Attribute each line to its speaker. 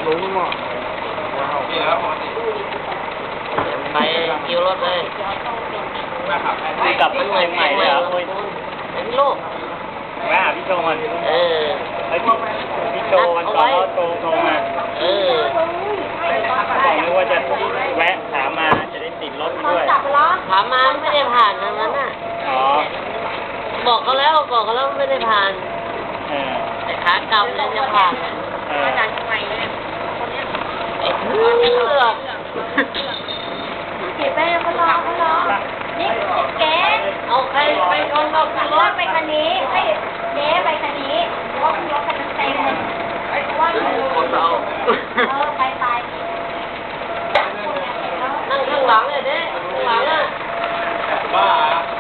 Speaker 1: รู้มั้งไปคิวรถเลยกลับไปใหม่เลยเหรอเป็นลูก
Speaker 2: แวะหาพี่โจมันไอ้พี่โจวันก่อนเขาโทรมาบอกเลยว่าจะแวะถามมาจะได้ติดรถมาด้วย
Speaker 1: ถามมาไม่ได้ผ่านตรงนั้นน่ะบอกเขาแล้วไม่ได้ผ่านแต่ขากลับเนี่ยจะผ่านมาจากทำไมเลยไอ้เพื่อก
Speaker 3: เก็บไปเขารอนี่แก
Speaker 1: เอาใครไปคนเรา
Speaker 3: รถไปคันนี้ให้เจ๊ไปคันนี้เพราะว่ารถคันนั้นเต็มเพราะว่า
Speaker 1: คนเรา
Speaker 3: ไป
Speaker 1: นั่งข้างหลังเลยเด้ข้างหลังอ่ะ
Speaker 2: บ้า